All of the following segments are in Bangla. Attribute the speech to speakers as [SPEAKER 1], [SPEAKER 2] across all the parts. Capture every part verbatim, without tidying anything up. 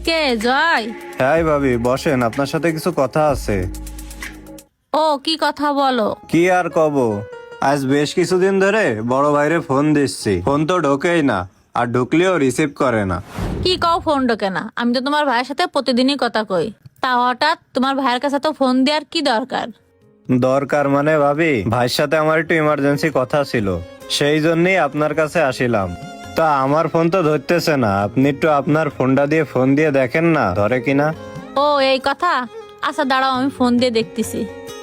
[SPEAKER 1] কে জয়?
[SPEAKER 2] হ্যাঁ ভাবি বসেন, আপনার সাথে কিছু কথা আছে।
[SPEAKER 1] ও কি কথা বলো।
[SPEAKER 2] কি আর কব, আজ বেশ কিছুদিন ধরে বড় ভাইরে ফোন দিচ্ছি, ফোন তো ঢোকেই না, আর ঢুকলেও রিসিভ করে না।
[SPEAKER 1] কি কও ফোন ঢোকে না? আমি তো তোমার ভাইয়ের সাথে প্রতিদিনই কথা কই, তা হঠাৎ তোমার ভাইয়ের কাছে তো ফোন দেওয়ার কি দরকার?
[SPEAKER 2] দরকার মানে ভাবি, ভাইয়ের সাথে আমার একটু ইমার্জেন্সি কথা ছিল, সেই জন্যই আপনার কাছে আসিলাম। তা আমার ফোন তো ধরতেছে না, আপনি একটু আপনার ফোনটা দিয়ে ফোন দিয়ে দেখেন না ধরে কিনা।
[SPEAKER 1] ও এই কথা, আচ্ছা দাঁড়াও আমি ফোন দিয়ে দেখতেছি।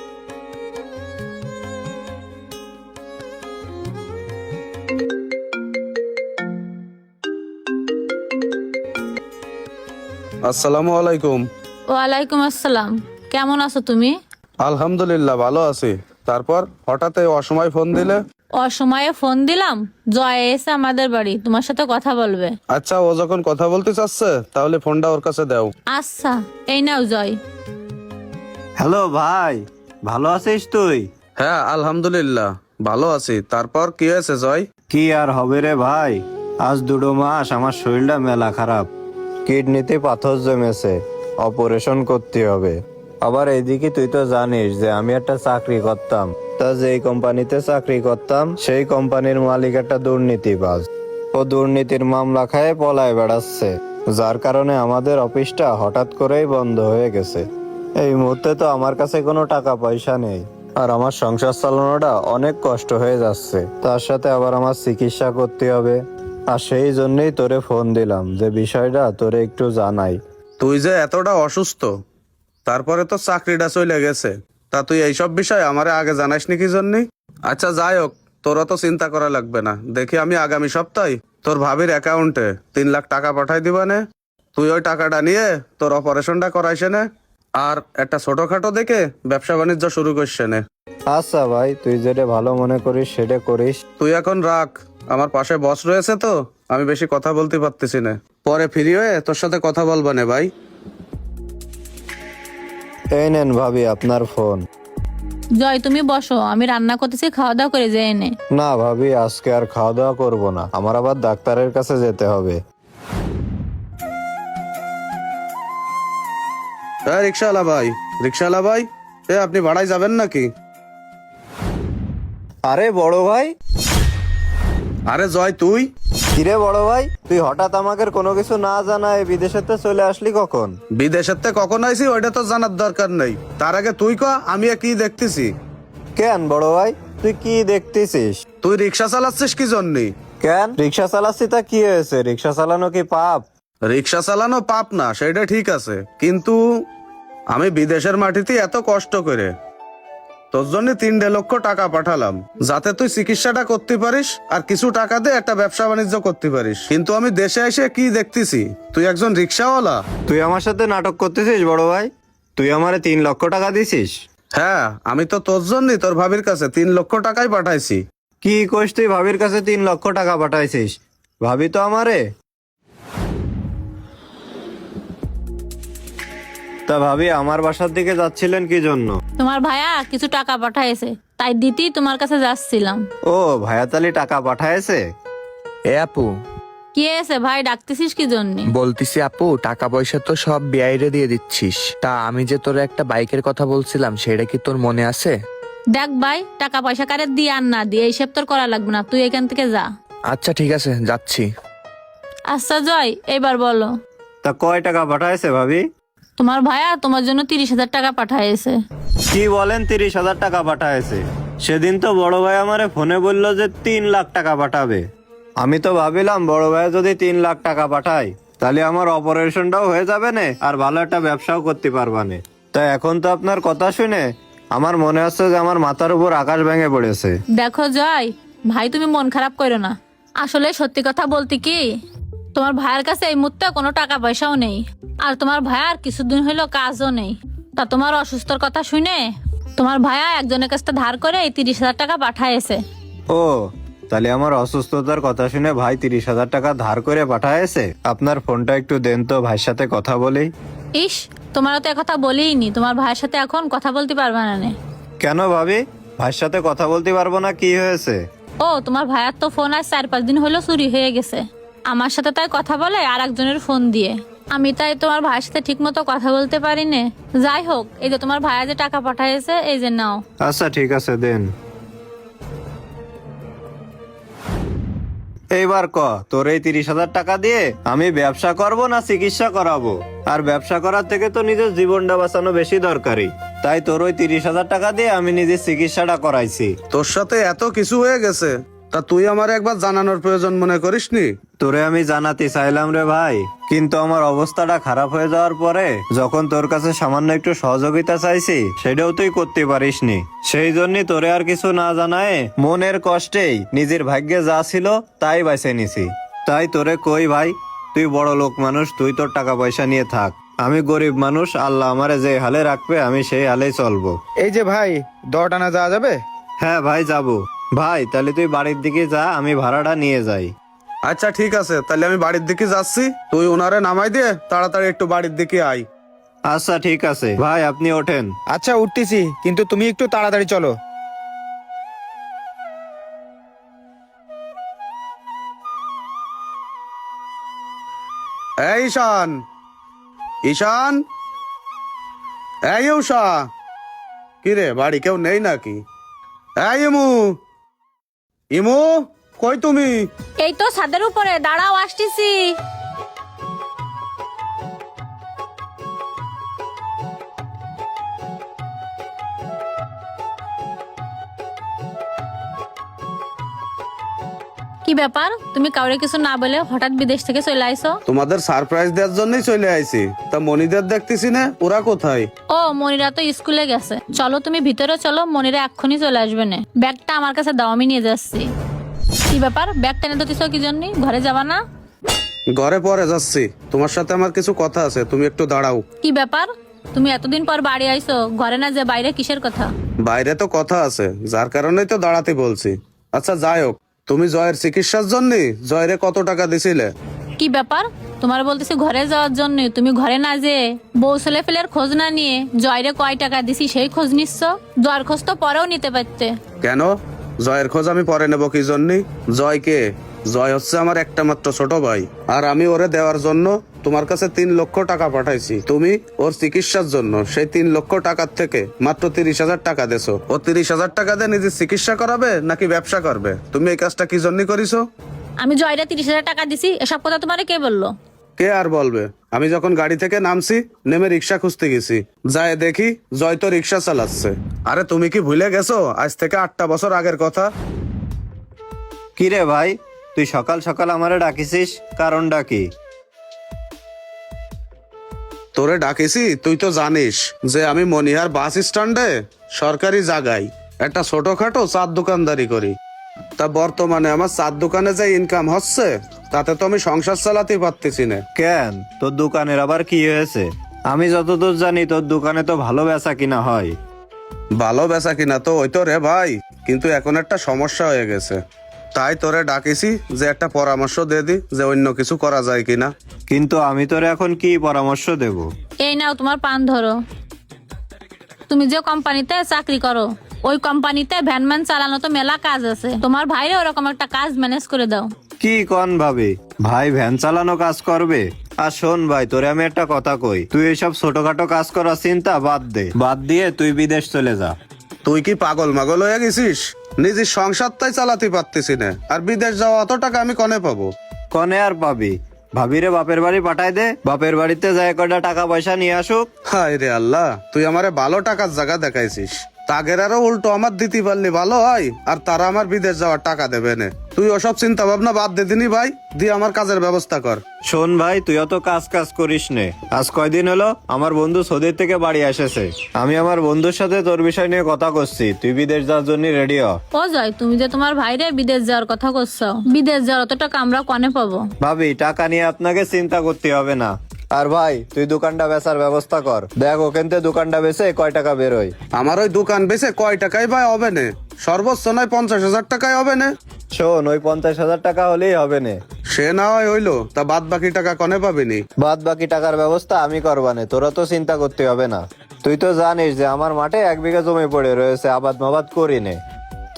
[SPEAKER 3] আসসালামু আলাইকুম।
[SPEAKER 1] ওয়ালাইকুম আসসালাম। কেমন আছো তুমি?
[SPEAKER 3] আলহামদুলিল্লাহ ভালো আছি। তারপর হঠাৎ এই অসময় ফোন দিলে?
[SPEAKER 1] অসময়ে ফোন দিলাম, জয় এসে আমাদের বাড়ি তোমার সাথে কথা বলবে।
[SPEAKER 3] আচ্ছা, ও যখন কথা বলতে চাচ্ছে তাহলে ফোনটা ওর কাছে দাও।
[SPEAKER 1] আচ্ছা এই নাও জয়।
[SPEAKER 2] হ্যালো ভাই, ভালো আছিস তুই?
[SPEAKER 3] হ্যাঁ আলহামদুলিল্লাহ ভালো আছি। তারপর কি হয়েছে জয়?
[SPEAKER 2] কি আর হবে রে ভাই, আজ দুটো মাস আমার শরীরটা মেলা খারাপ, কিডনিতে পাথর জমেছে, অপারেশন করতে হবে। আবার এইদিকে তুই তো জানিস যে আমি একটা চাকরি করতাম, তা যেই কোম্পানিতে চাকরি করতাম সেই কোম্পানির মালিক একটা দুর্নীতিবাজ, ও দুর্নীতির মামলা খায় পলায় বেড়াচ্ছে, যার কারণে আমাদের অফিসটা হঠাৎ করেই বন্ধ হয়ে গেছে। এই মুহূর্তে তো আমার কাছে কোনো টাকা পয়সা নেই, আর আমার সংসার চালানোটা অনেক কষ্ট হয়ে যাচ্ছে, তার সাথে আবার আমার চিকিৎসা করতে হবে। আর সেই জন্যই তোরে ফোন দিলাম যে বিষয়টা তোরে একটু জানাই।
[SPEAKER 3] তুই যে এতটা অসুস্থ, তারপরে তো চাকরিটা চলে গেছে, তা তুই এইসব বিষয় আমারে আগে জানাসনি কি জন্য? আচ্ছা যাই হোক, তোরা তো চিন্তা করা লাগবে না। দেখি আমি আগামী সপ্তাহে তোর ভাবির অ্যাকাউন্টে তিন লাখ টাকা পাঠাই দিবানে। তুই ওই টাকাটা নিয়ে তোর অপারেশনটা করাইছে নে, আর একটা ছোটখাটো দেখে ব্যবসা বাণিজ্য শুরু করছে নে।
[SPEAKER 2] আচ্ছা ভাই, তুই যেটা ভালো মনে করিস সেটা করিস।
[SPEAKER 3] তুই এখন রাখ, আমার পাশে বস রয়েছে তো, আমি বেশি কথা বলতে পারতেছি না। পরে ফ্রি হয়ে তোর সাথে কথা বলবা নে ভাই।
[SPEAKER 2] এই নেন ভাবি আপনার ফোন।
[SPEAKER 1] জয় তুমি বসো, আমি রান্না করতেছি, খাওয়া দাওয়া করে যে এনে।
[SPEAKER 2] না ভাবি, আজকে আর খাওয়া দাওয়া করবো না, আমার আবার ডাক্তারের কাছে যেতে হবে।
[SPEAKER 3] হ্যাঁ রিক্সাওয়ালা ভাই, রিক্সাওয়ালা ভাই, এ আপনি ভাড়ায় যাবেন নাকি?
[SPEAKER 2] আরে বড় ভাই।
[SPEAKER 3] আরে জয় তুই?
[SPEAKER 2] কিরে বড় ভাই, তুই হঠাৎ আমাকে কোনো কিছু না জানায় বিদেশেতে চলে আসলি কখন?
[SPEAKER 3] বিদেশের থেকে কখন আইসি ওইটা তো জানার দরকার নেই, তার আগে তুই ক আমি কি দেখতেছি।
[SPEAKER 2] কেন বড় ভাই, তুই কি দেখতেছিস?
[SPEAKER 3] তুই রিক্সা চালাচ্ছিস কি জন্যে?
[SPEAKER 2] কেন রিক্সা চালাচ্ছি তা কি হয়েছে? রিক্সা চালানো কি পাপ?
[SPEAKER 3] রিক্সা চালানো পাপ না, সেটা ঠিক আছে, কিন্তু আমি বিদেশের মাটিতে এত কষ্ট করে তোর জন্য তিন দেড় লক্ষ টাকা পাঠালাম যাতে তুই চিকিৎসাটা করতে পারিস আর কিছু টাকা দিয়ে একটা ব্যবসা বাণিজ্য করতে পারিস, কিন্তু আমি দেশে এসে কি দেখতেছি, তুই একজন রিক্সাওয়ালা।
[SPEAKER 2] তুই আমার সাথে নাটক করতেছিস বড় ভাই? তুই আমারে তিন লক্ষ টাকা দিছিস?
[SPEAKER 3] হ্যাঁ, আমি তো তোর জন্যই তোর ভাবির কাছে তিন লক্ষ টাকাই পাঠাইছি।
[SPEAKER 2] কি কইস তুই ভাবির কাছে তিন লক্ষ টাকা পাঠাইছিস? ভাবি তো আমারে। তা ভাবি আমার বাসার দিকে যাচ্ছিলেন কি জন্য?
[SPEAKER 1] তোমার ভাইয়া কিছু টাকা পাঠাইছে, তাই দিতেই তোমার কাছে যাচ্ছিলাম।
[SPEAKER 2] ও ভায়াতালি টাকা পাঠায়েছে?
[SPEAKER 4] এ আপু,
[SPEAKER 1] কি এসে ভাই, ডাকতেছিস কি জন্য?
[SPEAKER 4] বলতিছি আপু, টাকা পয়সা তো সব বিআইরে দিয়ে দিচ্ছিস, তা আমি যে তোর একটা বাইকের কথা বলছিলাম সেটা কি তোর মনে আছে?
[SPEAKER 1] দেখ ভাই, টাকা পয়সা কারে দিয়ে আর না দিয়ে এইসব তোর করা লাগবে না, তুই এখান থেকে যা।
[SPEAKER 4] আচ্ছা ঠিক আছে, যাচ্ছি।
[SPEAKER 1] আচ্ছা জয়, এবার বলো।
[SPEAKER 2] তা কয় টাকা পাঠায়েছে ভাবি?
[SPEAKER 1] তোমার ভাইয়া তোমার জন্য তিরিশ হাজার টাকা পাঠাইছে।
[SPEAKER 2] কি বলেন, তিরিশ হাজার টাকা পাঠায়েছে? সেদিন তো বড় ভাই আমারে ফোনে বললো যে তিন লাখ টাকা পাঠাবে। আমি তো ভাবিলাম বড় ভাই যদি তিন লাখ টাকা পাঠায় তাহলে আমার অপারেশনটাও হয়ে যাবে না, আর ভালো একটা ব্যবসাও করতে পারবানে। তা এখন তো আপনার কথা শুনে আমার মনে হচ্ছে যে আমার মাথার উপর আকাশ ভেঙে পড়েছে।
[SPEAKER 1] দেখো জয় ভাই, তুমি মন খারাপ করো না, আসলে সত্যি কথা বলতে কি, তোমার ভাইয়ের কাছে এই মুহূর্তে কোনো টাকা পয়সাও নেই, আর তোমার ভাইয়ার কিছুদিন হইলো কাজও নেই। তা তোমার অসুস্থর কথা শুনে তোমার ভাইয়া একজনের কাছ থেকে ধার করে এই তিরিশ হাজার টাকা পাঠাইছে।
[SPEAKER 2] ও, তাহলে আমার অসুস্থতার কথা শুনে ভাই তিরিশ হাজার টাকা ধার করে পাঠায়েছে। আপনার ফোনটা একটু দেন তো, ভাইয়ের সাথে কথা বলি।
[SPEAKER 1] ইস, তোমার তো কথা বলিনি, তোমার ভাইয়ের সাথে এখন কথা বলতে পারবে না নে।
[SPEAKER 2] কেন ভাবি, ভাইয়ের সাথে কথা বলতে পারবো না? কি হয়েছে?
[SPEAKER 1] ও তোমার ভাইয়ার তো ফোন আজ চার পাঁচ দিন হলো চুরি হয়ে গেছে, আমার সাথে তাই কথা বলে আর একজনের ফোন দিয়ে। আমি তাই তোমার ভাইয়ের সাথে ঠিক মতো কথা বলতে পারি না। যাই হোক, এই যে তোমার ভাইয়া যে টাকা পাঠাইছে, এই যে নাও।
[SPEAKER 2] আচ্ছা ঠিক আছে, দেন। এইবার ক, তোর এই তিরিশ হাজার টাকা দিয়ে আমি ব্যবসা করব না চিকিৎসা করাবো? আর ব্যবসা করার থেকে তো নিজের জীবনটা বাঁচানো বেশি দরকারি। তাই তোর ওই তিরিশ হাজার টাকা দিয়ে আমি নিজের চিকিৎসাটা করাইছি।
[SPEAKER 3] তোর সাথে এত কিছু হয়ে গেছে, তা তুই আমার একবার জানানোর প্রয়োজন মনে করিসনি?
[SPEAKER 2] তোরে আমি জানাতে চাইলাম রে ভাই, কিন্তু আমার অবস্থাটা খারাপ হয়ে যাওয়ার পরে যখন তোর কাছে সামান্য একটু সহযোগিতা চাইছি, সেটাও তুই করতে পারিসনি। সেই জন্য তোরে আর কিছু না জানায় মনের কষ্টেই নিজের ভাগ্যে যা ছিল তাই বেছে নিছি। তাই তোরে কই ভাই, তুই বড় লোক মানুষ, তুই তোর টাকা পয়সা নিয়ে থাক। আমি গরিব মানুষ, আল্লাহ আমারে যে হালে রাখবে আমি সেই হালেই চলবো।
[SPEAKER 5] এই যে ভাই, দশ আনা যাওয়া যাবে?
[SPEAKER 2] হ্যাঁ ভাই, যাবো। ভাই তাহলে তুই বাড়ির দিকে যা, আমি ভাড়াটা নিয়ে যাই।
[SPEAKER 3] আচ্ছা ঠিক আছে, তাহলে আমি বাড়ির দিকে যাচ্ছি, তুই ওনারে নামাই দিয়ে তাড়াতাড়ি একটু বাড়ির দিকে আয়।
[SPEAKER 2] আচ্ছা ঠিক আছে ভাই, আপনি ওঠেন।
[SPEAKER 5] আচ্ছা উঠতেছি, কিন্তু তুমি একটু তাড়াতাড়ি চলো।
[SPEAKER 3] এই ঈশান, ঈশান, এই উষা, কি রে বাড়ি কেউ নেই নাকি? এই ইমু, ইমু কই তুমি?
[SPEAKER 1] এই তো ছাদের উপরে, দাঁড়াও আসতেছি। কি ব্যাপার, তুমি কাউরে কিছু না বলে হঠাৎ বিদেশ থেকে চলে আইছো?
[SPEAKER 3] তোমাদের সারপ্রাইজ দেওয়ার জন্যই চলে আইছি। তা মনিদের দেখতেছি না, ওরা কোথায়?
[SPEAKER 1] ও, মনিরা তো স্কুলে গেছে। চলো তুমি ভিতরে চলো, মনিরা এক্ষুনি চলে আসবে না। ব্যাগটা আমার কাছে দাও, আমি নিয়ে যাচ্ছি। কি ব্যাপার, ব্যাগ টেনে দিতেছো কি জন্য? ঘরে যাবা না?
[SPEAKER 3] ঘরে পরে যাচ্ছি, তোমার সাথে আমার কিছু কথা আছে, তুমি একটু দাঁড়াও।
[SPEAKER 1] কি ব্যাপার, তুমি এতদিন পর বাড়ি আইছো, ঘরে না যে বাইরে কিসের কথা?
[SPEAKER 3] বাইরে তো কথা আছে, যার কারণেই তো দাঁড়াতে বলছি। আচ্ছা যাই হোক, তুমি জয়ের চিকিৎসার জন্য জয়রে কত টাকা দিছিলে?
[SPEAKER 1] কি ব্যাপার, তোমার বলতেছি ঘরে যাওয়ার জন্য, তুমি ঘরে না যে বউ ছেলে ফেলের খোঁজ না নিয়ে জয়রে কয় টাকা দিছি সেই খোঁজ নিচ্ছ? জয়ের খোঁজ তো পরেও নিতে পারতে।
[SPEAKER 3] কেন জয়ের খোঁজ আমি পরে নেব কি জন্য? জয় কে? জয় হচ্ছে আমার একটা মাত্র ছোট ভাই, আর আমি ওরে দেওয়ার জন্য তোমার কাছে তিন লক্ষ টাকা পাঠাইছি। তুমি ওর চিকিৎসার জন্য সেই তিন লক্ষ টাকার থেকে মাত্র তিরিশ হাজার টাকা দেছো। ও তিরিশ হাজার টাকা দিয়ে নিজের চিকিৎসা করাবে নাকি ব্যবসা করবে? তুমি এই কাজটা কি জন্য করিছো?
[SPEAKER 1] আমি জয়রে তিরিশ হাজার টাকা দিছি, এসব কথা তোমারে কে বললো?
[SPEAKER 3] কে আর বলবে? আমি যখন গাড়ি থেকে নামছি, নেমে রিক্সা খুঁজতে গেছি, যায় দেখি জয় তো রিক্সা চালাচ্ছে। আরে তুমি কি ভুলে গেছো আজ থেকে আটটা বছর আগের কথা?
[SPEAKER 2] কি রে ভাই, তুই সকাল সকাল আমারে ডাকিছিস, কারণটা কি?
[SPEAKER 3] তোরে ডাকেছি তুই তো জানিস যে আমি মনিহার বাস স্ট্যান্ডে সরকারি জায়গায় একটা ছোটখাটো চার দোকানদারি করি। তা বর্তমানে আমার চার দোকানে যে ইনকাম হচ্ছে, তাতে তো আমি সংসার চালাতে পারতেছি না।
[SPEAKER 2] কেন, তোর দোকানের আবার কি হয়েছে? আমি যতদূর জানি তোর দোকানে তো ভালো বেচা কিনা হয়।
[SPEAKER 3] ভালো বেচা কিনা তো ওই তো রে ভাই, কিন্তু এখন একটা সমস্যা হয়ে গেছে। তাই তোরে ডাকেছি যে একটা পরামর্শ দিয়ে দি যে অন্য কিছু করা যায় কিনা।
[SPEAKER 2] কিন্তু আমি তোর এখন কি পরামর্শ দেব?
[SPEAKER 1] এই নাও তোমার পান ধরো। তুমি যে কোম্পানিতে চাকরি করো, ওই কোম্পানিতে ভ্যানম্যান চালানো তো মেলা কাজ আছে, তোমার ভাইরে ওরকম একটা কাজ ম্যানেজ করে দাও।
[SPEAKER 2] কি কন ভাবি, ভাই ভ্যান চালানো কাজ করবে? আর শোন ভাই, তোরে আমি একটা কথা কই, তুই এইসব ছোটখাটো কাজ করার চিন্তা বাদ দে, বাদ দিয়ে তুই বিদেশ চলে যা।
[SPEAKER 3] তুই কি পাগল মাগল হয়ে গেছিস? নিজের সংসারটাই চালাতে পারতেছি না, আর বিদেশ যাওয়া অত টাকা আমি কনে পাবো?
[SPEAKER 2] কনে আর পাবি? ভাবিরে বাপের বাড়ি পাঠাই দে, বাপের বাড়িতে যায় কয়টা টাকা পয়সা নিয়ে আসুক।
[SPEAKER 3] হায় রে আল্লাহ, তুই আমারে ভালো টাকার জায়গা দেখাইছিস। তাগের আরো উল্টো আমার দিতে পারলি ভালো হয়, আর তারা আমার বিদেশ যাওয়ার টাকা দেবে না। তুই ওসব চিন্তা ভাবনা বাদ দে দিনি ভাই, দিয়ে আমার কাজের ব্যবস্থা কর।
[SPEAKER 2] শোন ভাই, তুই অত কাজ কাজ করিস নে। আজ কয়দিন হলো আমার বন্ধু সৌদির থেকে বাড়ি এসেছে, আমি আমার বন্ধুর সাথে তোর বিষয় নিয়ে কথা করছি, তুই বিদেশ যাওয়ার জন্য রেডি হ।
[SPEAKER 1] ও জয়, তুমি যে তোমার ভাইরে বিদেশ যাওয়ার কথা করছো, বিদেশ যাওয়ার অত টাকা আমরা কনে পাবো?
[SPEAKER 2] ভাবি, টাকা নিয়ে আপনাকে চিন্তা করতে হবে না। আর ভাই, তুই দোকানটা বেচার ব্যবস্থা কর, দেখ ওখান থেকে দোকানটা বেচে কয় টাকা বেরোয়।
[SPEAKER 3] আমার ওই দোকান বেচে কয় টাকায় ভাই হবে না? সর্বোচ্চ নয় পঞ্চাশ হাজার টাকায় হবে না?
[SPEAKER 2] শোন, ওই পঞ্চাশ হাজার টাকা হলেই হবে না।
[SPEAKER 3] সে না হয় হইলো, তা বাদ বাকি টাকা কনে পাবিনি?
[SPEAKER 2] বাদ বাকি টাকার ব্যবস্থা আমি করবানে, তোরা তো চিন্তা করতে হবে না। তুই তো জানিস যে আমার মাঠে এক বিঘা জমি পড়ে রয়েছে, আবাদ মাবাদ করি নে।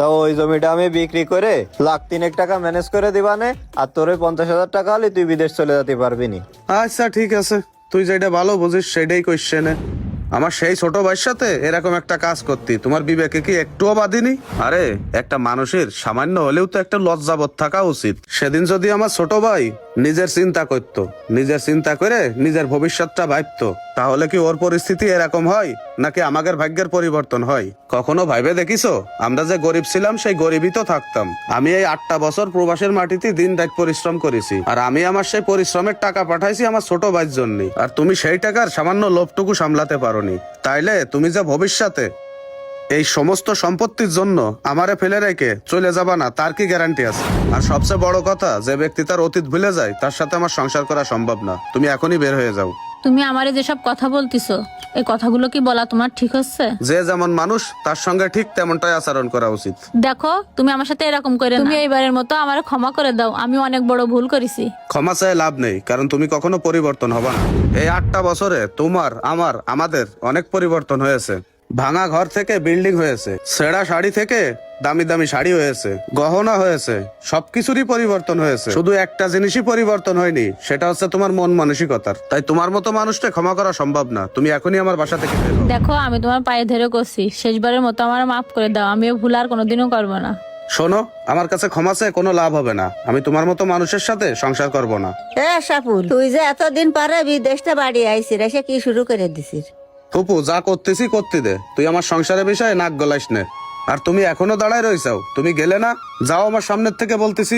[SPEAKER 2] তো ওই জমিটা আমি বিক্রি করে লাখ তিনেক টাকা ম্যানেজ করে দিবানে, আর তোর ওই পঞ্চাশ হাজার টাকা হলে তুই বিদেশ চলে যেতে পারবি নি।
[SPEAKER 3] আচ্ছা ঠিক আছে, তুই যেটা ভালো বুঝিস সেটাই কোশ্চেনে। আমার সেই ছোট ভাইয়ের সাথে এরকম একটা কাজ করতি তোমার বিবেকে কি একটুও বাদিনি? আরে একটা মানুষের সামান্য হলেও তো একটা লজ্জাবোধ থাকা উচিত। সেদিন যদি আমার ছোট ভাই নিজের চিন্তা করত, নিজের চিন্তা করে নিজের ভবিষ্যৎটা ভাবতো, তাহলে কি ওর পরিস্থিতি এরকম হয় নাকি আমাদের ভাগ্যের পরিবর্তন হয়? কখনো ভাইবে দেখিছো আমরা যে গরিব ছিলাম সেই গরিবই তো থাকতাম। আমি এই আটটা বছর প্রবাসের মাটিতে দিন রাত পরিশ্রম করেছি, আর আমি আমার সেই পরিশ্রমের টাকা পাঠাইছি আমার ছোট ভাইয়ের জন্য। আর তুমি সেই টাকার সামান্য লোভটুকু সামলাতে পারোনি, তাইলে তুমি যে ভবিষ্যতে এই সমস্ত সম্পত্তির জন্য আমারে ফেলে রেখে চলে যাবা না তার কি গ্যারান্টি আছে? আর সবচেয়ে বড় কথা, যে ব্যক্তি তার অতীত ভুলে যায় তার সাথে আমার সংসার করা সম্ভব না। তুমি এখনই বের হয়ে যাও।
[SPEAKER 1] তুমি আমারে যেসব কথা বলতিছো, এই কথাগুলো কি বলা তোমার ঠিক হচ্ছে?
[SPEAKER 3] যে যেমন মানুষ তার সঙ্গে ঠিক তেমনটাই আচরণ করা উচিত।
[SPEAKER 1] দেখো, তুমি আমার সাথে এরকম করে না। তুমি এইবারের মতো আমার ক্ষমা করে দাও, আমি অনেক বড় ভুল করেছি।
[SPEAKER 3] ক্ষমা চাই লাভ নেই, কারণ তুমি কখনো পরিবর্তন হবা না। এই আটটা বছরে তোমার, আমার, আমাদের অনেক পরিবর্তন হয়েছে। ভাঙা ঘর থেকে বিল্ডিং হয়েছে, ছেঁড়া শাড়ি থেকে দামি দামি শাড়ি হয়েছে, গহনা হয়েছে, সবকিছুরই পরিবর্তন হয়েছে। শুধু একটা জিনিসই পরিবর্তন হয়নি, সেটা হচ্ছে তোমার মন মানসিকতার। তাই তোমার মতো মানুষকে ক্ষমা করা সম্ভব না। তুমি এখনই আমার বাসা থেকে বের হও।
[SPEAKER 1] দেখো, আমি তোমার পায়ে ধরে করছি, শেষবারের মতো আমার মাফ করে দাও, আমিও ভুল আর কোনোদিনও করবো না।
[SPEAKER 3] শোনো, আমার কাছে ক্ষমা চেয়ে কোনো লাভ হবে না। আমি তোমার মতো মানুষের সাথে সংসার করব না।
[SPEAKER 6] এ সাপুল, তুই যে এতদিন পরে বিদেশটা বাড়ি আইসি রে, সে কি শুরু করে দিছিস?
[SPEAKER 3] ফুপু, যা করতেছি করতে দে, তুই আমার সংসারের বিষয়ে নাক গলাইস নে। আর তুমি এখনো দাঁড়ায় রইছাও, তুমি গেলে না? যাও আমার সামনের থেকে বলতেছি।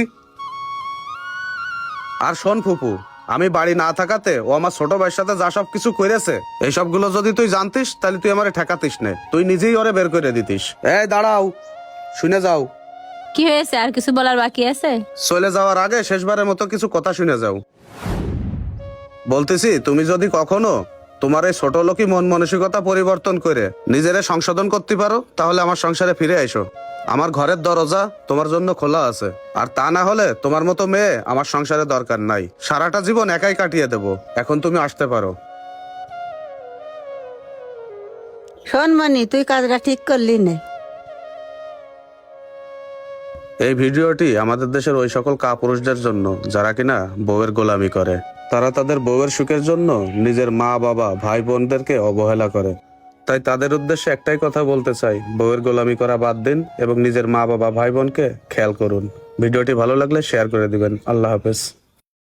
[SPEAKER 3] আর শোন ফুপু, আমি বাড়ি না থাকাতে ও আমার ছোট ভাইয়ের সাথে যা সব কিছু করেছে, এইসব গুলো যদি তুই জানতিস তাহলে তুই আমারে ঠেকাতিস নে, তুই নিজেই ওরে বের করে দিতিস। এই দাঁড়াও, শুনে যাও।
[SPEAKER 1] কি হয়েছে, আর কিছু বলার বাকি আছে?
[SPEAKER 3] চলে যাওয়ার আগে শেষবারের মতো কিছু কথা শুনে যাও। বলতেছি, তুমি যদি কখনো তোমার এই ছোট লোকই মন মানসিকতা পরিবর্তন করে নিজেরে সংশোধন করতে পারো, তাহলে আমার সংসারে ফিরে এসো। আমার ঘরের দরজা তোমার জন্য খোলা আছে। আর তা না হলে তোমার মতো মেয়ে আমার সংসারে দরকার নাই। সারাটা জীবন একাই কাটিয়ে দেব। এখন তুমি আসতে পারো।
[SPEAKER 6] শোন মনি, তুই কাজটা ঠিক করলি না।
[SPEAKER 3] এই ভিডিওটি আমাদের দেশের ওই সকল কাপুরুষদের জন্য যারা কিনা বউয়ের গোলামি করে। তারা তাদের বউয়ের সুখের জন্য নিজের মা বাবা ভাই বোনদেরকে অবহেলা করে। তাই তাদের উদ্দেশ্যে একটাই কথা বলতে চাই, বউয়ের গোলামি করা বাদ দিন এবং নিজের মা বাবা ভাই বোনকে খেয়াল করুন। ভিডিওটি ভালো লাগলে শেয়ার করে দিবেন। আল্লাহ হাফেজ।